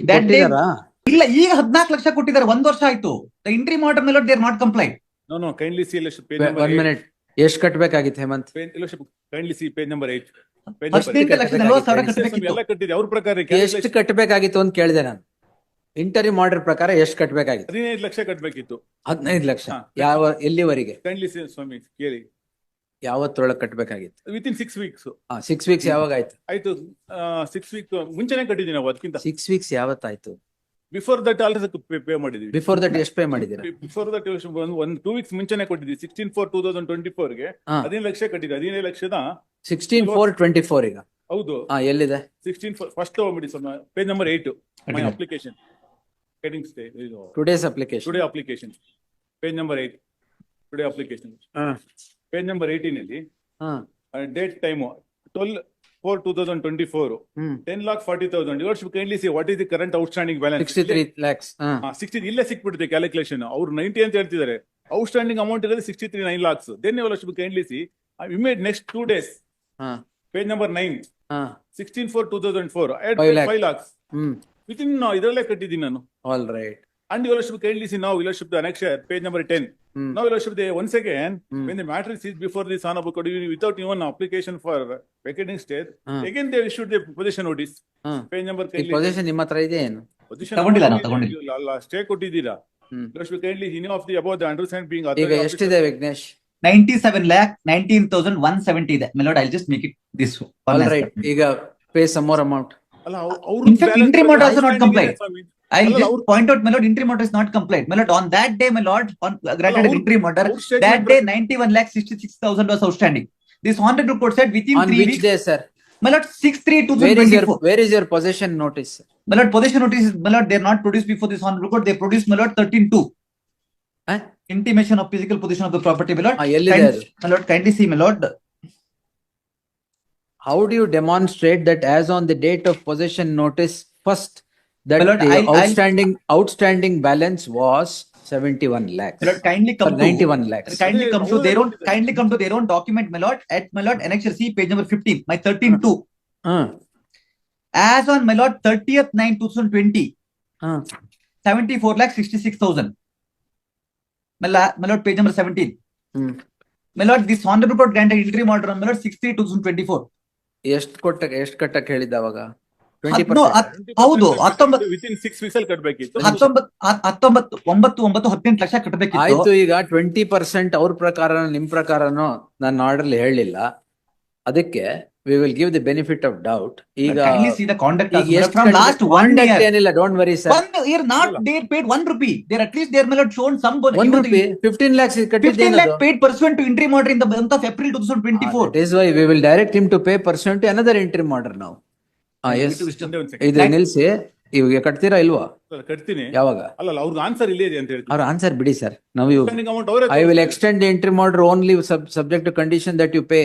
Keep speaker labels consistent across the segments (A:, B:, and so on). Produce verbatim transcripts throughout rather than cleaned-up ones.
A: That day
B: ಕೊಟ್ಟಿದಾರಾ?
A: ಇಲ್ಲ, ಈಗ ಹದಿನಾಲ್ಕು ಲಕ್ಷ ಕೊಟ್ಟಿದ್ದಾರೆ, ಒಂದ್ ವರ್ಷ ಆಯ್ತು. ದ ಇಂಟ್ರಿ ಆರ್ಡರ್ ಮೇಲೆ they are not complaint.
C: No, no, kindly see Eliship page number
B: one
C: eight.
B: Minute, ಎಷ್ಟು ಕಟ್ಬೇಕಾಗಿತ್ತು Hemant?
C: Page- Eliship, kindly see page number eight. Page number
A: ಹದಿನೆಂಟು
C: eight.
A: ಲಕ್ಷ ನಲವತ್ತು ಸಾವಿರ
C: Yes, ಸ್ವಾಮಿ,
A: ಕಟ್ಟಬೇಕಿತ್ತು.
C: ಎಲ್ಲ ಕಟ್ಟಿದೆ ಅವ್ರ ಪ್ರಕಾರ
B: ಎಷ್ಟು
C: calculation
B: ಕಟ್ಬೇಕಾಗಿತ್ತು ಅಂತ ಕೇಳಿದೆ ನಾನು. ಇಂಟರಿ ಆರ್ಡರ್ ಪ್ರಕಾರ ಎಷ್ಟು ಕಟ್ಬೇಕಾಗಿತ್ತು?
C: ಹದಿನೈದು ಲಕ್ಷ ಕಟ್ಬೇಕಿತ್ತು.
B: ಹದಿನೈದು ಲಕ್ಷ.
C: ಹಾ.
B: ಯಾವ ಎಲ್ಲಿವರೆಗೆ?
C: Kindly see ಸ್ವಾಮಿ ಕೇಳಿ.
B: ಯಾವತ್ತೊಳಗೆ ಕಟ್ಬೇಕಾಗಿತ್ತು?
C: Within six weeks
B: six weeks ಯಾವಾಗ ಆಯ್ತು?
C: ಆಯ್ತು. ಸಿಕ್ಸ್ ವೀಕ್ ಮುಂಚೆನೆ ಕಟ್ಟಿದ್ದೀವಿ ನಾವು, ಅದಕ್ಕಿಂತ
B: ಸಿಕ್ಸ್ ವೀಕ್ಸ್ ಯಾವತ್ತಾಯ್ತು?
C: ಬಿಫೋರ್ ದಟ್ ಆಲ್ರೆಡಿ ಪೇ ಮಾಡಿದೀವಿ.
B: ಬಿಫೋರ್ ದಟ್ ಎಷ್ಟು ಪೇ ಮಾಡಿದ್ದೀರಾ?
C: ಬಿಫೋರ್ ದಟ್ ಒಂದು ಟೂ ವೀಕ್ಸ್ ಮುಂಚೆನೆ ಕೊಟ್ಟಿದ್ವಿ. Sixteen four two thousand twenty four ಗೆ
B: ಹಾ.
C: ಹದಿನೈದು ಲಕ್ಷ ಕಟ್ಟಿದ್ವಿ. ಹದಿನೈದು ಲಕ್ಷದ
B: ಸಿಕ್ಸ್ಟೀನ್ ಫೋರ್ ಟ್ವೆಂಟಿ ಫೋರ್ ಈಗ.
C: ಹೌದು.
B: ಹಾ, ಎಲ್ಲಿದೆ?
C: ಸಿಕ್ಸ್ಟೀನ್ ಫಸ್ಟ್ ತಗೊಂಡ್ಬಿಡಿ ಸ್ವಾಮಿ, page number eight my application heading stay
B: today's application.
C: Today application page number eight. Today application page number eighteen ಅಲ್ಲಿ date time twelve four two thousand twenty four
B: hmm
C: ten lakh forty thousand. Your ship kindly see what is the current outstanding balance?
B: Sixty three lakhs.
C: Sixty ಇಲ್ಲೇ ಸಿಕ್ಬಿಡುತ್ತೆ calculation. ಅವ್ರು ninety ಅಂತ ಹೇಳ್ತಿದ್ದಾರೆ, outstanding amount ಇರೋದು sixty three nine lakhs. Then your ship kindly see immediate next two days page number nine sixteen four two thousand four five lakhs
B: hmm
C: within ಇದರಲ್ಲೇ ಕಟ್ಟಿದ್ದೀನಿ ನಾನು.
B: All right.
C: And your worship kindly see now, your worship the annexure, page number ten.
B: Hmm.
C: Now your worship the once again,
B: Hmm.
C: when the matter is seized before the son of Bukadu, without even application for vacating state,
B: Hmm.
C: again they issued the possession notice. Page number
B: ಈ
C: kindly.
B: Possession ನಿಮ್ಮ ಹತ್ರ ಇದೆ ಏನು?
C: Position
A: ತಗೊಂಡಿಲ್ಲ
C: number
A: ನಾವು, ತಗೊಂಡಿಲ್ಲ.
C: stay ಕೊಟ್ಟಿದ್ದೀರಾ?
B: ಹ್ಮ್.
C: Your worship kindly he knew of the above the undersigned being
B: ಈಗ
C: authorized.
B: ಎಷ್ಟಿದೆ ವಿಘ್ನೇಶ್?
A: Ninety seven lakh nineteen thousand one seventy ಇದೆ. My lord I just make it this
B: all right. ಈಗ ಪೇ ಸಮ್ ಮೋರ್ ಅಮೌಂಟ್.
C: ಅಲ್ಲ, ಅವ್ರು
A: In fact, entry matter also not compliant. I'll
C: ಅಲ್ಲ,
A: just
C: ಅವ್ರು-
A: point out, my lord, entry matter is not compliant. My lord, on that day, my lord, on uh, granted
C: ಅಲ್ಲ,
A: an
C: ಅವ್ರು-
A: entry matter,
C: ಅವ್ರ statement
A: that day
C: ಪ್ರಕಾರ-
A: ninety-one lakh sixty-six thousand was outstanding. This haunted report said within
B: on
A: three
B: which
A: weeks,
B: day sir?
A: my lord, six three two
B: where
A: thousand
B: is your
A: twenty-four.
B: Where is your possession notice?
A: My lord, possession notice, my lord, they are not produced before this haunted report. They produced, my lord, thirteen two. Intimation of physical position of the property, my lord.
B: ಎಲ್ಲಿದೆ
A: Kind-
B: ಅದು?
A: My lord, kindly see, my lord.
B: How do you demonstrate that as on the date of possession notice first that
A: My lord,
B: the
A: I'll- I'll-
B: outstanding outstanding balance was seventy-one lakhs?
A: My lord, kindly
B: Or
A: come to.
B: ninety-one lakhs.
A: Kindly come to their own, kindly come to their own document, my lord, at my lord, annexure C, page number fifteen, my thirteen two.
B: Uh,
A: As on my lord, thirtieth nine two thousand twenty,
B: uh,
A: seventy-four lakh sixty-six thousand. My la- my lord, page number seventeen.
B: hmm.
A: My lord, this haunted report granted interim order on my lord six three two thousand twenty-four.
B: ಎಷ್ಟು ಕೊಟ್ಟ ಎಷ್ಟು ಕಟ್ಟಕ್ಕೆ ಹೇಳಿದ್ದ ಅವಾಗ? Twenty
A: ಹದ್ನೋ-
B: percent.
A: ಹತ್- ಹೌದು, ಹತ್ತೊಂಬತ್ತು
C: ವಿತಿನ್ ಸಿಕ್ಸ್ ವೀಕ್ಸ್ ಅಲ್ಲಿ ಕಟ್ಬೇಕಿತ್ತು.
A: ಹತ್ತೊಂಬತ್ತು ಹ- ಹತ್ತೊಂಬತ್ತು ಒಂಬತ್ತು ಒಂಬತ್ತು ಹದಿನೆಂಟು ಲಕ್ಷ ಕಟ್ಟಬೇಕಿತ್ತು.
B: ಆಯ್ತು, ಈಗ ಟ್ವೆಂಟಿ ಪರ್ಸೆಂಟ್ ಅವ್ರ ಪ್ರಕಾರ ನಿಮ್ ಪ್ರಕಾರನೋ ನನ್ನ ಆರ್ಡರ್ ಹೇಳಿಲ್ಲ, ಅದಕ್ಕೆ we will give the benefit of doubt. ಈಗ
A: Kindly see the conduct
B: ಈಗ
A: also, my lord,
B: ಎಷ್ಟು
A: from last one
B: conduct
A: year.
B: ಏನಿಲ್ಲ, don't worry sir.
A: One year not they paid one rupee. They're at least they're my lord shown some bonus.
B: One
A: Even
B: rupee
A: the-
B: fifteen lakhs
A: fifteen
B: ಕಟ್ಟಿದ್ದೇನದು?
A: lakh paid pursuant to interim order in the month of April twenty twenty-four.
B: That is why we will direct him to pay pursuant to another interim order now. Ah, yes.
C: ಒಂದೇ ಒಂದ್ second.
B: ಇದು ನಿಲ್ಸಿ, ಇವಾಗ ಕಟ್ತೀರಾ ಇಲ್ವಾ?
C: ಅಲ್ಲ, ಕಟ್ತೀನಿ.
B: ಯಾವಾಗ?
C: ಅಲ್ಲ ಅಲ್ಲ, ಅವ್ರಿಗೆ ಆನ್ಸರ್ ಇಲ್ಲೇ ಇದೆ ಅಂತ ಹೇಳ್ತೀನಿ.
B: ಅವ್ರ ಆನ್ಸರ್ ಬಿಡಿ ಸರ್. ನಾವು ಯು
C: Outstanding amount ಅವರೇ
B: ಐ ವಿಲ್
C: ತೋರಿಸ್ತಾರೆ.
B: Extend the interim order only sub subject to condition that you pay.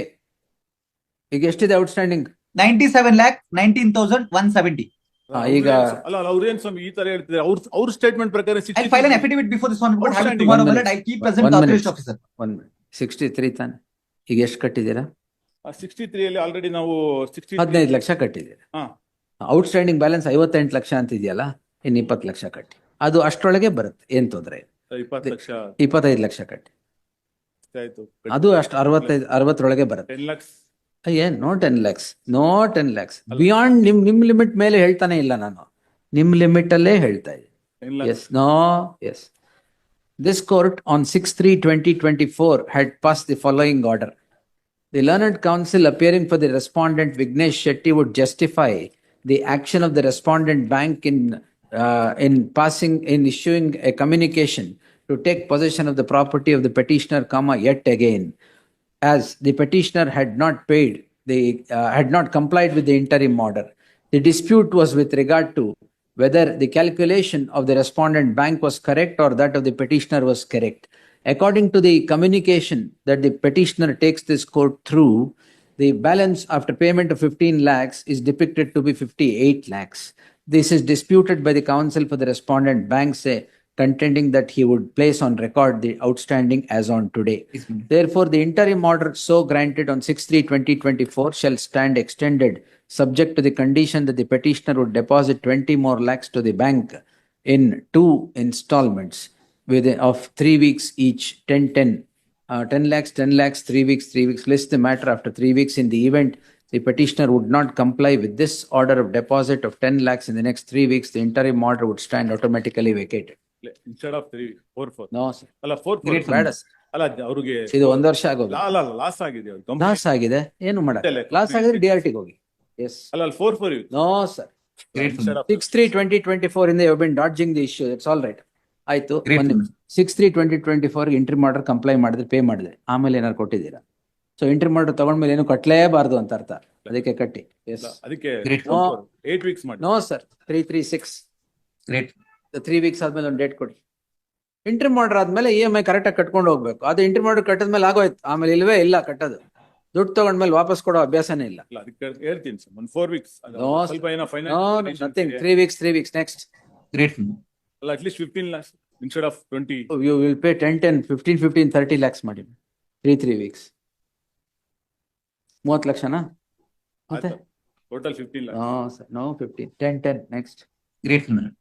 B: ಈಗ ಎಷ್ಟಿದೆ outstanding?
A: ninety-seven lakh nineteen thousand one seventy.
B: ಆ, ಈಗ
C: ಅಲ್ಲ ಅಲ್ಲ, ಅವ್ರೇನ್ ಸ್ವಾಮಿ ಈ ತರ ಹೇಳ್ತಿದ್ದಾರೆ? ಅವ್ರ ಅವ್ರ ಸ್ಟೇಟ್ಮೆಂಟ್ ಪ್ರಕಾರ
A: I'll file an affidavit before this one report. Have it
C: Outstanding.
A: tomorrow,
B: One
A: my lord. I'll keep present
B: One
A: the
B: minute.
A: authorized officer.
B: One sixty three ತಾನೆ? ಈಗ ಎಷ್ಟು ಕಟ್ಟಿದ್ದೀರಾ?
C: ಸಿಕ್ಸ್ಟಿ ತ್ರೀ ಅಲ್ಲಿ ಆಲ್ರೆಡಿ ನಾವು ಸಿಕ್ಸ್ಟಿ
B: ಹದಿನೈದು ಲಕ್ಷ ಕಟ್ಟಿದ್ದೀರಾ.
C: ಹಾ
B: ಔಟ್ಸ್ಟ್ಯಾಂಡಿಂಗ್ ಬ್ಯಾಲೆನ್ಸ್ ಐವತ್ತೆಂಟು ಲಕ್ಷ ಅಂತಿದೆಯಲ್ಲ, ಇನ್ನು ಇಪ್ಪತ್ತು ಲಕ್ಷ ಕಟ್ಟಿ, ಅದು ಅಷ್ಟರೊಳಗೆ ಬರುತ್ತೆ, ಏನ್ ತೊಂದರೆ ಇಲ್ಲ.
C: ಇಪ್ಪತ್ತು ಲಕ್ಷ
B: ಇಪ್ಪತ್ತೈದು ಲಕ್ಷ ಕಟ್ಟಿ,
C: ಆಯ್ತು.
B: ಅದು ಅಷ್ಟು ಅರವತ್ತೈದು ಅರವತ್ತರೊಳಗೆ ಬರುತ್ತೆ.
C: ಟೆನ್ ಲ್ಯಾಕ್ಸ್
B: ಏನ್ no ten lakhs, no ten lakhs beyond ನಿಮ್ ನಿಮ್ ಲಿಮಿಟ್ ಮೇಲೆ ಹೇಳ್ತಾನೆ ಇಲ್ಲ ನಾನು, ನಿಮ್ ಲಿಮಿಟ್ ಅಲ್ಲೇ ಹೇಳ್ತಾ ಇದ್ದೀನಿ.
C: Ten
B: Yes,
C: lakhs
B: no, yes. This court on six three twenty twenty-four had passed the following order. The learned counsel appearing for the respondent Vignesh Shetty would justify the action of the respondent bank in uh, in passing in issuing a communication to take possession of the property of the petitioner, comma, yet again, as the petitioner had not paid the uh, had not complied with the interim order. The dispute was with regard to whether the calculation of the respondent bank was correct or that of the petitioner was correct. According to the communication that the petitioner takes this court through, the balance after payment of fifteen lakhs is depicted to be fifty-eight lakhs. This is disputed by the counsel for the respondent bank, say, contending that he would place on record the outstanding as on today.
A: Yes, my lord.
B: Therefore, the interim order so granted on six three twenty twenty-four shall stand extended, subject to the condition that the petitioner would deposit twenty more lakhs to the bank in two installments within of three weeks each, ten ten. Uh, ten lakhs, ten lakhs, three weeks, three weeks. List the matter after three weeks. In the event the petitioner would not comply with this order of deposit of ten lakhs in the next three weeks, the interim order would stand automatically vacated.
C: Instead of three four four
B: No, sir.
C: ಅಲ್ಲ four
A: Great,
C: four
B: ಬೇಡ sir.
C: ಅಲ್ಲ ಅವ್ರಿಗೆ
B: ಇದು ಒಂದ್ ವರ್ಷ ಆಗೋದು.
C: ಅಲ್ಲ ಅಲ್ಲ ಲಾಸ್ ಆಗಿದೆ ಅವ್ರಿಗೆ company.
B: ಲಾಸ್ ಆಗಿದೆ, ಏನು ಮಾಡ
C: ಇಲ್ಲ,
B: ಲಾಸ್ ಆಗಿದ್ರೆ ಡಿ ಆರ್ ಟಿಗೆ ಹೋಗಿ. ಎಸ್.
C: ಅಲ್ಲ ಅಲ್ಲಿ four four
B: no sir.
A: Great, my lord.
B: Six three twenty twenty four ಇಂದ you been dodging the issue. It's all right. ಆಯ್ತು.
A: Great, my lord.
B: Six three twenty twenty four entry ಮಾಡರ್ comply ಮಾಡಿದ್ರೆ pay ಮಾಡಿದ್ರೆ ಆಮೇಲೆ ಏನಾರು ಕೊಟ್ಟಿದ್ದೀರಾ? So entry ಮಾಡರ್ ತಗೊಂಡ್ಮೇಲೆ ಏನು ಕಟ್ಟಲೇಬಾರ್ದು ಅಂತ ಅರ್ಥ. ಅದಕ್ಕೆ ಕಟ್ಟಿ. ಎಸ್.
C: ಅದಕ್ಕೆ
A: Great.
C: ಏಟ್ ವೀಕ್ಸ್ ಮಾಡಿ
B: no sir. Three three six
A: Great.
B: Three weeks ಆದ್ಮೇಲೆ ಒಂದು ಡೇಟ್ ಕೊಡಿ. ಇಂಟ್ರಿ ಮಾಡರ್ ಆದ್ಮೇಲೆ ಇ ಎಂ ಐ ಕರೆಕ್ಟಾಗಿ ಕಟ್ಕೊಂಡು ಹೋಗ್ಬೇಕು. ಅದು ಇಂಟ್ರಿ ಮಾಡರ್ ಕಟ್ಟದ್ಮೇಲೆ ಆಗೋಯ್ತು. ಆಮೇಲೆ ಇಲ್ವೇ ಇಲ್ಲ ಕಟ್ಟೋದು. ದುಡ್ಡು ತಗೊಂಡ್ಮೇಲೆ ವಾಪಸ್ ಕೊಡೋ ಅಭ್ಯಾಸನೇ ಇಲ್ಲ.
C: ಅಲ್ಲ ಅದಕ್ಕೆ ಹೇಳ್ತೀನಿ ಸರ್ ಒಂದು ಫೋರ್ ವೀಕ್ಸ್
B: No,
C: ಸ್ವಲ್ಪ ಏನೋ
B: no
C: finance
B: nothing. Three weeks three weeks next.
A: Great, my lord.
C: ಅಲ್ಲ at least fifteen lakhs instead of twenty
B: you will pay ten ten fifteen fifteen thirty lakhs ಮಾಡಿ. ತ್ರೀ ತ್ರೀ ವೀಕ್ಸ್ ಮೂವತ್ತು ಲಕ್ಷನಾ? ಮತ್ತೆ
C: total fifteen lakhs
B: no sir, no fifteen, ten ten next.
A: Great, my lord.